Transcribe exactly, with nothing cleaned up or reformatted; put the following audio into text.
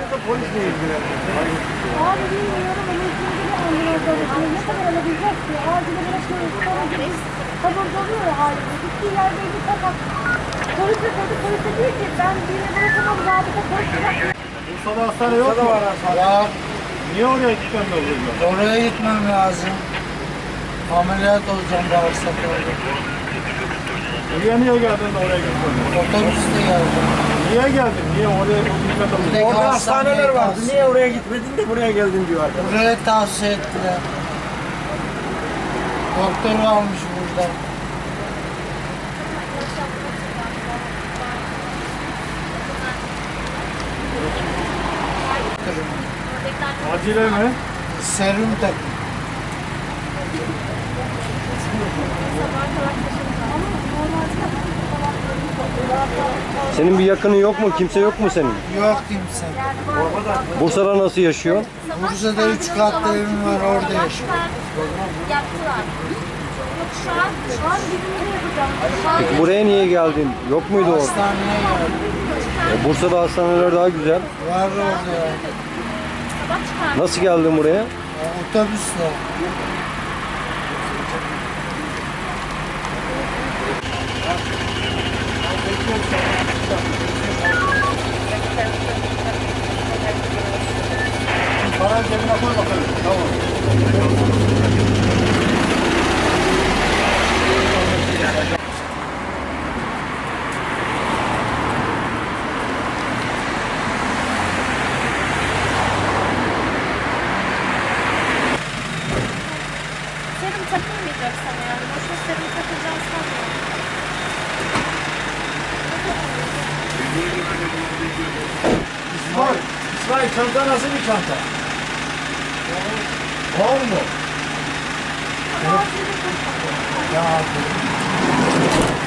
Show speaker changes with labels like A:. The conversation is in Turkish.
A: da polisle ilgileniyor.
B: Abi bilmiyorum ama şimdi de ambulanslar ne kadar alabilecek ki? Acile bırakıyoruz. Sonra gidip taburcu oluyor ya halinde. Gittiği yerde bir fakat polise sordu. Polise diyor ki ben birine bırakamam. Zabıta polis bırak.
C: Bursa'da hastane yok mu?
D: Var.
C: Niye oraya gitmem oluyor?
D: Oraya gitmem lazım. Ameliyat olacağım bağırsaklarda.
C: Buraya niye geldin de oraya gitmedin?
D: Otobüste geldim.
C: Niye geldin? Niye oraya gitmedin?
D: Buradaki
A: Orada hastaneler vardı.
D: tavsiye-
A: Niye oraya gitmedin de buraya geldin diyor arkadaş.
D: Buraya tavsiye ettiler. Doktor varmış burada.
C: Acile mi?
D: Serum takın.
E: Senin bir yakının yok mu? Kimse yok mu senin?
D: Yok kimse.
E: Bursa'da nasıl yaşıyorsun?
D: Bursa'da üç katlı evim var, orada yaşıyorum.
B: Yaptılar. Yok şu an, şu an bizimle yapacağım. Şu an
E: Peki buraya niye geldin? Yok muydu orada?
D: Hastaneye geldim.
E: E, Bursa'da hastaneler daha güzel.
D: Var orada ya.
B: sabah çıkar.
E: Nasıl geldin buraya?
D: Ya, otobüsle.
C: Parayı cebine koy bakalım. Tamam.
B: Serum takılmayacak sana yani. Boşuna serum takacağını sanmıyorum.
A: İsmail, İsmail çanta nasıl bir çanta? Var mı?
B: Ama acil bir
D: Ya,